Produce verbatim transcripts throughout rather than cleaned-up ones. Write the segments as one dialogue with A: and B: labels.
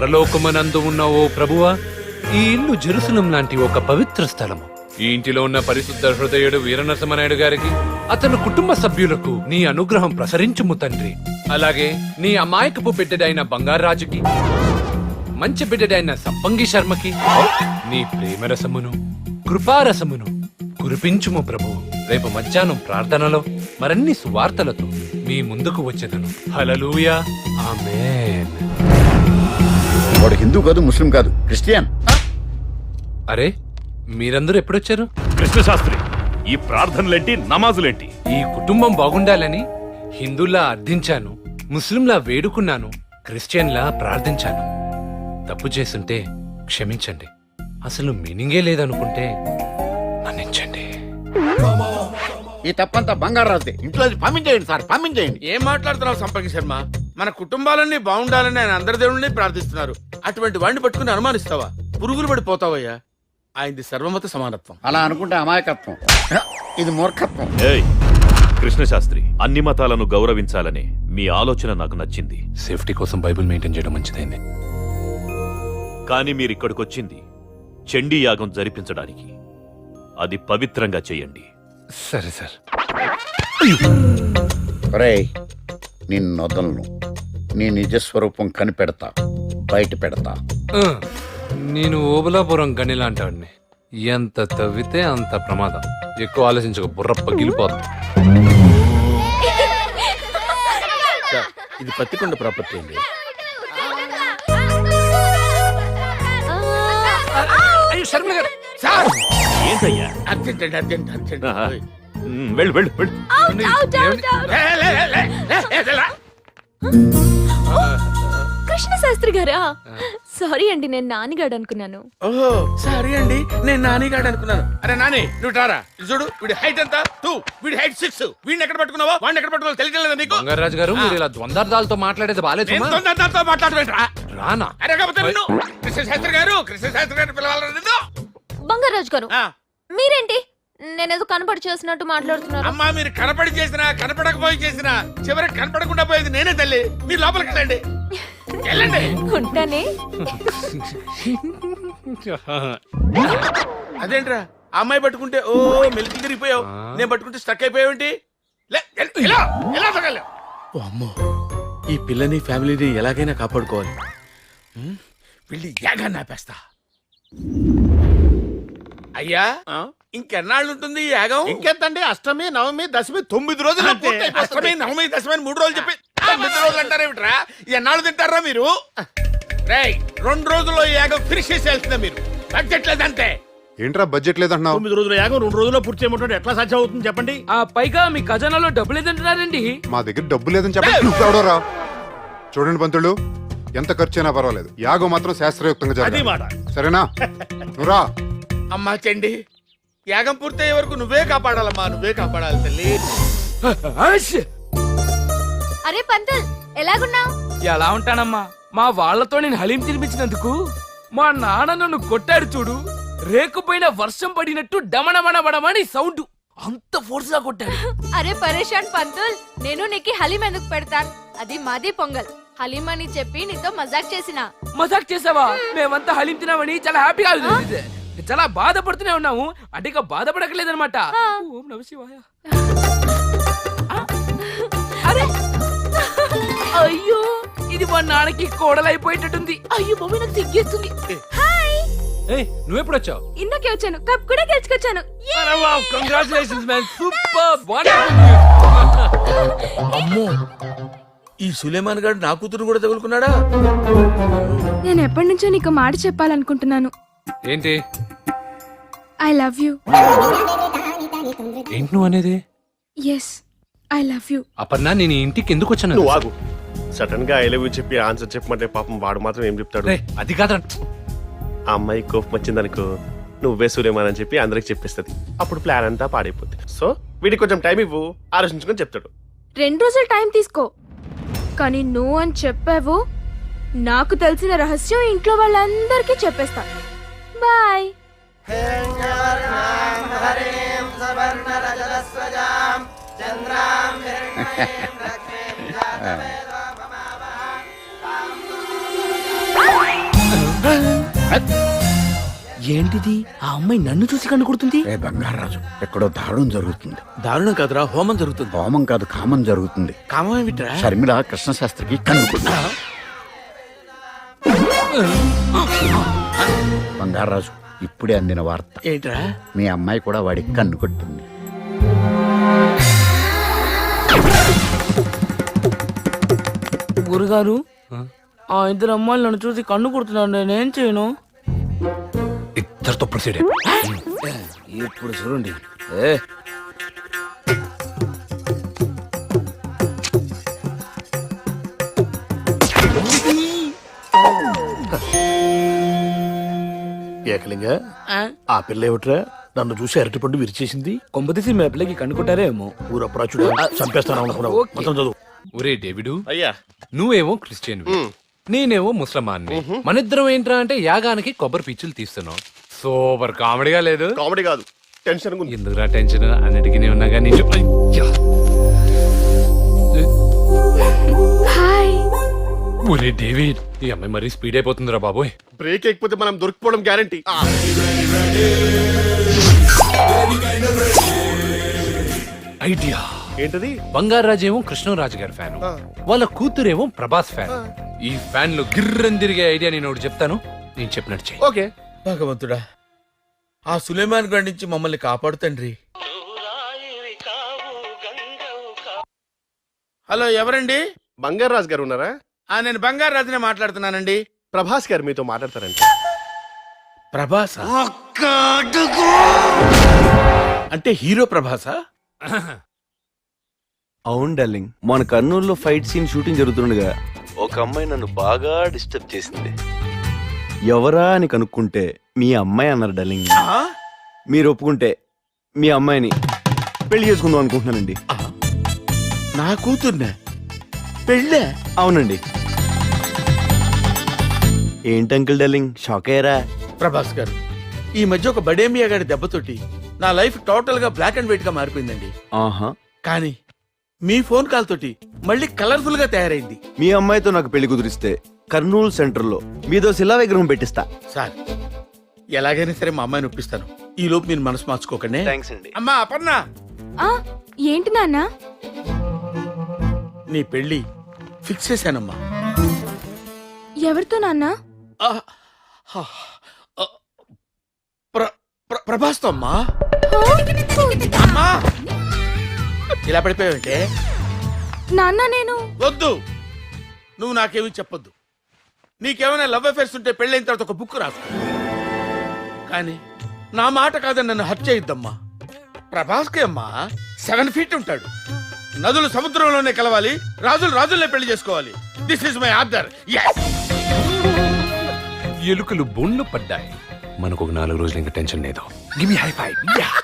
A: పరలోకమనందు ఉన్న ఓ ప్రభువా, ఈ ఇల్లు జెరూసలం లాంటి ఒక పవిత్ర స్థలము. ఈ ఇంటిలో ఉన్న పరిశుద్ధ హృదయుడు వీరనరసింహనాయుడు గారికి, అతని కుటుంబ సభ్యులకు నీ అనుగ్రహం ప్రసరించుము తండ్రి. అలాగే నీ అమాయకపు బిడ్డడైన బంగారాజుకి, మంచి బిడ్డడైన సంపంగి శర్మకి నీ ప్రేమరసమును కృపారసమును కురిపించుము ప్రభు. రేపు మధ్యాహ్నం ప్రార్థనలో మరన్ని సువార్తలతో మీ ముందుకు వచ్చేదను. హల్లెలూయా, ఆమేన్.
B: వాడు హిందూ కాదు, ముస్లిం కాదు, క్రిస్టియన్.
A: అరే, మీరందరూ ఎప్పుడొచ్చారు?
C: కృష్ణశాస్త్రి, ఈ ప్రార్థనలేంటి, నమాజులేంటి?
A: ఈ కుటుంబం బాగుండాలని హిందూలా అర్థించాను, ముస్లింలా వేడుకున్నాను, క్రిస్టియన్లా ప్రార్థించాను. తప్పు చేస్తుంటే క్షమించండి. అసలు మీనింగే లేదనుకుంటే మన్నించండి.
B: ఈ తప్పంతా బంగారాజుదే. ఇంట్లో పంపించేయండి సార్, పంపించేయండి.
D: ఏం మాట్లాడుతున్నావు సంపంగి శర్మ? మన కుటుంబాలన్నీ బాగుండాలని ఆయన అందరి దేవుళ్ళని ప్రార్థిస్తున్నారు. అటువంటి వాడిని పట్టుకుని అనుమానిస్తావా? పురుగులు పడిపోతావయ్యా. ఆయనది సర్వమత సమానత్వం.
B: అలా అనుకుంటే అమాయకత్వం, ఇది మూర్ఖత్వం.
C: ఏయ్ కృష్ణశాస్త్రి, అన్ని మతాలను గౌరవించాలనే మీ ఆలోచన నాకు నచ్చింది.
A: సేఫ్టీ కోసం బైబిల్ మెయింటైన్ చేయడం మంచిదైంది.
C: కానీ మీరిక్కడికొచ్చింది చండీ యాగం జరిపించడానికి. అది పవిత్రంగా చేయండి.
A: సరే సార్.
B: ఒరేయ్, నిన్నొదలను. నీ నిజస్వరూపం కనిపెడతా, బయట పెడతా.
A: ఆ, నేను ఓబలాపురం గనిలాంటాడిని. ఎంత తవ్వితే అంత ప్రమాదం. ఎక్కువ ఆలోచించక, బుర్ర పగిలిపోతుంది.
D: సార్, ఇది పత్తికొండ ప్రాపర్టీ అండి.
A: శర్మ గారు,
D: సార్,
C: ఏంటయ్యా?
D: అర్జెంట్ అండి, అర్జెంట్ అర్జెంట్.
C: ఆహా. ఉమ్, వెళ్ళు వెళ్ళు వెళ్ళు.
D: లే, లే, లే, లే, లే, లే, లే, లే.
E: కృష్ణ శాస్త్రి గారా? సారీ అండి, నేను నానిగాడు అనుకున్నాను.
D: ఓహో, సారీ అండి, నేను నానిగాడు అనుకున్నాను. అరే నాని, నువ్వు టారా. ఇది చూడు, వీడి హైట్ ఎంత? టూ, వీడి హైట్ సిక్స్. వీడిని ఎక్కడ పట్టుకున్నావా, వాడిని ఎక్కడ పట్టుకున్నావు తెలియట్లేదా నీకు?
A: బంగారాజు గారు, మీరు ఇలా ద్వందార్థాలతో మాట్లాడేది బాలేదు.
D: నేను తొందరతో మాట్లాడవేంట్రా?
A: రానా?
D: అరే కాకపోతే నిన్ను కృష్ణ శాస్త్రి గారు, కృష్ణ శాస్త్రి గారు పిలవాలని నిన్ను.
E: బంగారాజు గారు,
D: ఆ,
E: మీరేంటి నేనేదో కనపడి చేసినట్టు మాట్లాడుతున్నారు?
D: అమ్మా, మీరు కనపడి చేసినా కనపడకపోయి చేసినా చివరికి కనపడకుండా పోయేది నేనే తల్లి. మీరు లోపలికి వెళ్ళండి, వెళ్ళండి.
E: ఉంటానే.
D: అదేంట్రా, ఆ అమ్మాయి పట్టుకుంటే ఓ మెలికి తిరిగిపోయావు, నేను పట్టుకుంటే స్టక్ అయిపోయావేంటి? లే, ఎల్- ఎలా ఎలా తగలవు? ఓ అమ్మో, ఈ పిల్లని ఫ్యామిలీని ఎలాగైనా కాపాడుకోవాలి. హ్మ్, వెళ్ళి యాగాన్ని ఆపేస్తా. అయ్యా, ఇంకెన్నాళ్ళు ఉంటుంది ఈ యాగం?
F: ఇంకెంతండి, అష్టమి నవమి దశమి తొమ్మిది రోజులు
D: అష్టమి నవమి దశమి అని మూడు రోజులు చెప్పి తొమ్మిది రోజులు అంటారేమిట్రా? ఎన్నాళ్ళు తింటారా మీరు? రేయ్, రెండు రోజుల్లో ఈ యాగం ఫినిష్ చేసేయాల్సిందే. మీరు బడ్జెట్ లేదంటే.
G: ఏంట్రా బడ్జెట్ లేదంటున్నావు?
F: తొమ్మిది రోజుల యాగం రెండు రోజుల్లో పూర్తి చేయమంటే ఎట్లా సాధ్యం అవుతుంది చెప్పండి?
H: ఆ పైగా మీ ఖజానాలో డబ్బులు ఏదంటున్నారండి?
G: మా దగ్గర డబ్బు లేదని చెప్పండి. నువ్వు ఎవడోరా? చూడండి పంతులు, ఎంత ఖర్చు అయినా పర్వాలేదు, యాగం మాత్రం శాస్త్రయుక్తంగా
F: అది
G: జరగాలి.
F: మాట.
G: సరేనా? నువ్వురా.
D: అమ్మా చండి, యాగం పూర్తయ్యే వరకు నువ్వే కాపాడాలమ్మా, నువ్వే కాపాడాలి తల్లి.
E: అరే పంతుల్, ఎలాగున్నావు?
H: ఎలా ఉంటానమ్మా, మా వాళ్లతో నేను హలీం తినిపించినందుకు మా నాన్న నన్ను కొట్టాడు చూడు. రేకుపైన వర్షం పడినట్టు డమణమణమణమని సౌండ్, అంత ఫోర్స్ గా కొట్టాడు.
E: అరే పరేషాన్ పంతుల్, నేను నీకు హలీం ఎందుకు పెడతాను? అది మాది పొంగల్. హలీం అని చెప్పి నీతో మజాక్ చేసిన.
H: మజాక్ చేసావా? మేమంతా హలీం తినామని చాలా హ్యాపీగా ఉంది. చాలా బాధపడుతూనే ఉన్నాము, అంటే ఇక బాధపడకలేదనమాట. ఓం నమః శివాయ. అరే అయ్యో, ఇది మా నాన్నకి కోడలైపోయేటట్టుంది. అయ్యో బాబు, నాకు సిగ్గేస్తుంది.
E: హాయ్,
A: ఏయ్, నువ్వెప్పుడొచ్చావు?
E: ఇందాకే వచ్చాను, కప్ కూడా గెలుచుకొచ్చాను.
A: Congratulations man, super.
D: అమ్మో, ఈ సులేమాన్ గారు నా కూతురు కూడా తగులుకున్నాడా?
E: నేను ఎప్పటి నుంచో నీకు మాట చెప్పాలనుకుంటున్నాను.
A: ఏంటి?
E: I love you.
A: ఏంటి నువ్వు అనేది?
E: Yes, I love you.
A: Aparna, నేను ఈ ఇంటికి ఎందుకు వచ్చాను?
F: నువ్వు ఆగు. సడన్ గా ఐ లవ్ యూ చెప్పి ఆన్సర్ చెప్పమంటే పాపం వాడు మాత్రం ఏం చెప్తాడు?
A: రేయ్, అది కాదు.
F: ఆ అమ్మాయి కోపం వచ్చిందనుకో, నువ్వే సూర్యమాన్ అని చెప్పి అందరికి చెప్పేస్తుంది. అప్పుడు ప్లాన్ అంతా పాడైపోతుంది. సో వీడికి కొంచెం టైం ఇవ్వు, ఆలోచించుకొని చెప్తాడు.
E: రెండు రోజులు టైం తీసుకో, కానీ నువ్వు అని చెప్పావు, నాకు తెలిసిన రహస్యం ఇంట్లో వాళ్ళందరికీ చెప్పేస్తా. బాయ్.
H: ఏంటిది ఆ అమ్మాయి నన్ను చూసి కన్ను కొడుతుంది
B: ఏ బంగారాజు ఎక్కడో దారుణం జరుగుతుంది.
D: దారుణం కాదురా, హోమం జరుగుతుంది.
B: హోమం కాదు కామం జరుగుతుంది.
D: కామం ఏమిట్రా?
B: షర్మిల కృష్ణశాస్త్రికి కన్నుకుంటా. బంగారాజు ఇప్పుడే అందిన వార్త.
D: ఏంట్రా?
B: మీ అమ్మాయి కూడా వాడికి కన్ను కొట్టింది.
H: గురుగారు ఆ ఇద్దరు అమ్మాయిలు నన్ను చూసి కన్ను కొడుతున్నాను, నేనేం చేయను?
A: ఇద్దరితో ప్రొసీడ్
D: ఇప్పుడు చూడండి.
I: ఏకలింగ ఆ పిల్ల ఏమిట్రా నన్ను చూసి అరటిపండు విరిచేసింది?
H: కొంపతీసి మీ పిల్లకి కన్ను కొట్టారే ఏమో.
I: ఊరప్రాచుడు చంపేస్తాను అనుకున్నావు. మొత్తం చదువు.
A: ఒరే డేవిడు,
F: అయ్యా
A: నువ్వేమో క్రిస్టియన్ నేనేమో ముస్లమాన్ని. మనిద్దరం ఏంట్రా అంటే యాగానికి కొబ్బరి పీచులు తీస్తున్నాం. సూపర్ కామెడీగా లేదు?
F: కామెడీ కాదు, టెన్షన్ ఉంది.
A: ఎందుకురా టెన్షన్? అన్నిటికీ ఉన్నా కానీ
E: హాయ్.
A: ఒరే డేవిడ్, ఈ అమ్మాయి మరీ స్పీడ్ అయిపోతుందిరా బాబోయ్.
F: బ్రేక్ ఎక్కిపోతే మనం దొరికిపోవడం గ్యారంటీ.
A: ఐడియా
F: ఏంటది?
A: బంగారాజు ఏమో కృష్ణరాజు గారి ఫ్యాన్, వాళ్ళ కూతురేమో ప్రభాస్ ఫ్యాన్. ఈ ఫ్యాన్ లో గిర్రని తిరిగే ఐడియా నేను ఒకటి చెప్తాను, నేను చెప్పినట్టు చెయ్యి.
F: ఓకే.
D: భగవంతుడా, ఆ సులేమాన్ గారి నుంచి మమ్మల్ని కాపాడు తండ్రి. హలో, ఎవరండి?
F: బంగారాజు గారు ఉన్నారా?
D: ఆ నేను బంగారు రాజునే మాట్లాడుతున్నానండి.
F: ప్రభాస్ గారు మీతో మాట్లాడతారంట.
D: ప్రభాస అంటే హీరో ప్రభాసా?
J: అవును డార్లింగ్, మన కర్నూలులో ఫైట్ సీన్ షూటింగ్ జరుగుతుండగా ఒక అమ్మాయి నన్ను బాగా డిస్టర్బ్ చేసింది. ఎవరా అని కనుక్కుంటే మీ అమ్మాయి అన్నారు డార్లింగ్.
D: ఆ?
J: మీరు ఒప్పుకుంటే మీ అమ్మాయిని పెళ్లి చేసుకుందాం అనుకుంటున్నానండి.
D: నా కూతుర్నే పెళ్ళే?
J: అవునండి. ఏంటి అంకుల్ డార్లింగ్, షాక్ అయ్యారా?
D: ప్రభాస్ గారు, ఈ మధ్య ఒక బడేమియా గారి దెబ్బతోటి నా లైఫ్ టోటల్ గా బ్లాక్ అండ్ వైట్ గా మారిపోయిందండి.
J: ఆహా,
D: కానీ మీ ఫోన్ కాల్ తోటి మళ్ళీ కలర్ఫుల్ గా తయారైంది.
J: మీ అమ్మాయితో నాకు పెళ్లి కుదిరిస్తే కర్నూలు సెంటర్ లో మీదో శిలా విగ్రహం పెట్టిస్తా.
D: సార్, ఎలాగైనా సరే మా అమ్మాయిని ఒప్పిస్తాను. ఈ లోపు మీరు మనసు మార్చుకోకండి.
J: థ్యాంక్స్ అండి.
D: అమ్మా అపర్ణ,
E: ఆ, ఏంటి నాన్న?
D: నీ పెళ్లి ఫిక్స్ చేశానమ్మా.
E: ఎవరితో నాన్న?
D: ఆ, ఆ, ఆ, ప్ర- ప్ర- ప్రభాస్తో అమ్మా. అమ్మా, ఇలా పడిపోయావంటే?
E: నాన్న నేను
D: వద్దు, నువ్వు నాకేమీ చెప్పొద్దు. నీకేమైనా లవ్ అఫేర్స్ ఉంటే పెళ్ళైన తర్వాత ఒక బుక్ రాసుకో. కానీ నా మాట కాదని నన్ను హత్య చేయొద్దమ్మా. ప్రభాస్కి అమ్మా సెవెన్ ఫీట్ ఉంటాడు. నదులు సముద్రంలోనే కలవాలి, రాజులు రాజుల్నే పెళ్లి చేసుకోవాలి. This is my order.
A: ఎలుకలు బొండ్లు పడ్డాయి. మనకు ఒక నాలుగు రోజులు ఇంకా టెన్షన్ లేదు. Give me high five.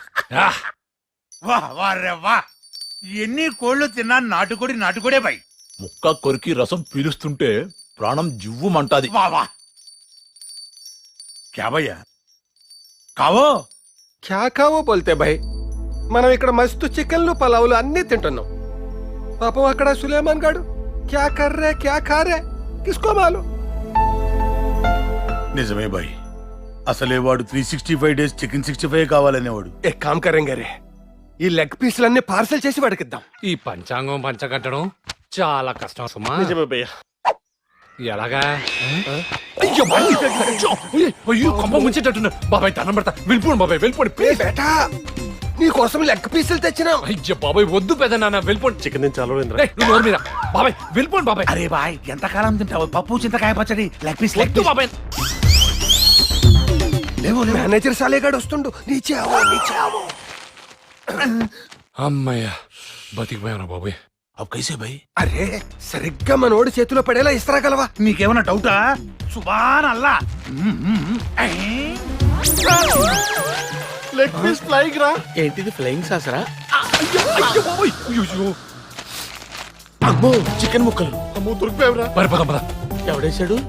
I: వా వా రే వా, ఎన్ని కోళ్లు తిన్నా నాటుకోడి నాటుకోడే బై. ముక్క కొరికి రసం పీలుస్తుంటే ప్రాణం జివ్వుమంటాది. వా వా క్యా భయ్యా కావో?
F: క్యా కావో బోల్తే భాయ్, మనం ఇక్కడ మస్తు చికెన్లు పలావులు అన్ని తింటున్నాం. పాపం అక్కడ సులేమాన్ గాడు క్యా కర్రే క్యా ఖారే కిస్కో మాలు.
I: నిజమే బాయ్, అసలే వాడు three sixty five days chicken sixty five కావాలనేవాడు.
F: ఏ కామ్ కరేంగే రే, ఈ లెగ్ పీసులన్నీ పార్సల్ చేసి వాడికిద్దాం.
A: ఈ పంచాంగం పంచకట్టడం చాలా కష్టం సుమా.
F: నిజమే భయ్యా.
A: ఎలాగా? అయ్యో బాయ్, అయ్యో, అయ్యో కొంప ముంచేటట్టున్నా. బాబాయ్ దండం పెడతా, వెళ్ళిపోండి బాబాయ్, వెళ్ళిపోండి ప్లీజ్.
F: బేటా, నీ కోసం లెగ్ పీసులు తెచ్చినాం.
A: అయ్యో బాబాయ్ వద్దు పెద్ద నాన్న, వెళ్ళిపోండి.
F: చికెన్ నుంచి చాలు
A: ఏయ్, నువ్వు నోరు మీద. బాబాయ్ వెళ్ళిపోండి బాబాయ్.
I: అరే బాయ్, ఎంతకాలం తింటావు పప్పు చింతకాయ పచ్చడి? లెగ్ పీస్ లెగ్
A: వద్దు బాబాయ్.
I: లేవు లేవు.
F: మేనేజర్ సాలేగాడు వస్తుండు. నీచే ఆవో, నీచే ఆవో.
A: అమ్మయ్యా, బతికిపోయాను బాబాయ్.
I: అవ్ కైసే భాయ్?
F: అరే సరిగ్గా మనోడి చేతిలో పడేలా ఇస్తారాగలవా?
I: మీకేమన్నా డౌటా? సుబాన్ అల్లా.
F: లెగ్ పీస్ ఫ్లైంగ్ రా.
D: ఏంటిది ఫ్లయింగ్ సాసరా?
A: అయ్యో బాబాయ్, అయ్యో.
D: అమ్మో, చికెన్ ముక్కలు.
F: అమ్మో దొరికిపోయావురా.
A: మరి పద పద.
D: ఎవడేశాడు?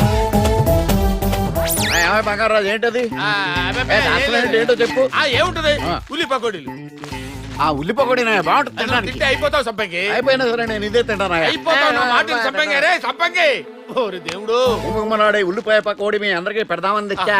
B: బంగారాజు ఏంటది?
D: ఆ, అబ్బబ్బే,
B: ఏ, అసలు ఏంటి, ఏంటో చెప్పు.
D: ఆ, ఏముంటది?
B: ఆ.
D: ఉల్లి పకోడీలు.
B: ఆ ఉల్లి పకోడీనా బాగుంటుంది
D: అసలు
B: తినడానికి.
D: తింటే అయిపోతావు సంపంగి.
B: అయిపోయినా సరే నేను ఇదే తింటానా?
D: అయిపోతావు నా మాటలు సంపంగి. రే సంపంగి, ఓరి దేవుడు
B: ఉమ్మనాడే ఉల్లిపాయ పకోడి మీ అందరికీ పెడదామని తెచ్చా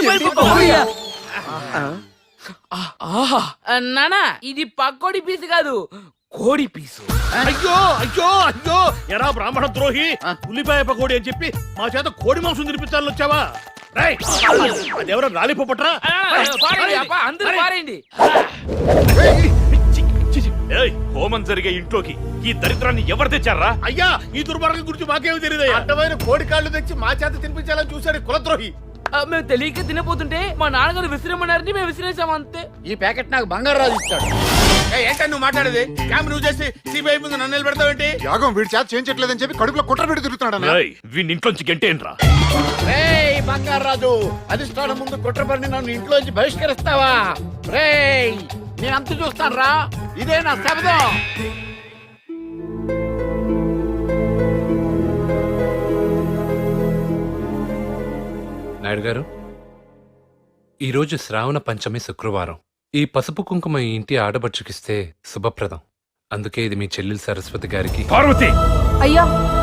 H: ఆహా నానా ఇది పక్కోడి పీసు కాదు కోడి పీసు.
I: అయ్యో అయ్యో అయ్యో ఎరా బ్రాహ్మణ ద్రోహి ఉల్లిపాయ పకోడి అని చెప్పి మా చేత కోడి మాంసం తినిపించాలని వచ్చావా? రేయ్, అదెవరో రాలిపోపట్రా.
H: ఆ, పారేయండి, అప్ప, అందరూ పారేయండి.
C: ఏయ్, హోమం జరిగే ఇంట్లోకి ఈ దరిద్రాన్ని ఎవరు తెచ్చారా?
D: అయ్యా ఈ దుర్మార్గం గురించి మాకేమి తెలియదు. అడ్డమైన కోడి కాళ్ళు తెచ్చి మా చేత తినిపించాలని చూశాడు కులద్రోహి.
H: ఆ, మేము తెలియక తినపోతుంటే మా నాన్నగారు విసిరమన్నారని మేము విసిరేసాం అంతే.
B: ఈ ప్యాకెట్ నాకు బంగారాజు ఇచ్చాడు.
D: ఏంటని నువ్వు మాట్లాడేది? క్యామ్ నువ్వు చేసి సిబిఐ ముందు నన్ను నిలబెడతావేంటి?
G: యాగం వీడి చేత చేయించట్లేదని చెప్పి కడుపులో కుట్ర పెట్టి తిరుగుతున్నాడు
C: ఏయ్, వీడిని ఇంట్లోంచి గంటేంట్రా?
B: రేయ్ బంగారాజు, అధిష్టానం ముందు కుట్రపడిని నన్ను ఇంట్లోంచి బహిష్కరిస్తావా? రేయ్ నేను అంత చూస్తాను రా, ఇదే నా శబ్దం.
A: నాయుడు గారు, ఈరోజు శ్రావణ పంచమి శుక్రవారం. ఈ పసుపు కుంకుమ ఈ ఇంటి ఆడబడుచుకిస్తే శుభప్రదం. అందుకే ఇది మీ చెల్లెలు సరస్వతి గారికి.
C: పార్వతి,
E: అయ్యా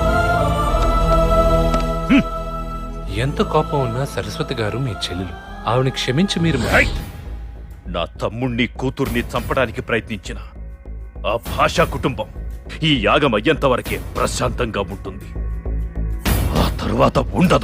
A: ఎంత కోపం ఉన్నా సరస్వతి గారు మీ చెల్లెలు. ఆవిని క్షమించి మీరు మ-
C: ఏయ్! నా తమ్ముణ్ణి కూతుర్ని చంపడానికి ప్రయత్నించిన ఆ భాషా కుటుంబం ఈ యాగం అయ్యేంత వరకే ప్రశాంతంగా ఉంటుంది. ఆ తరువాత ఉండదు.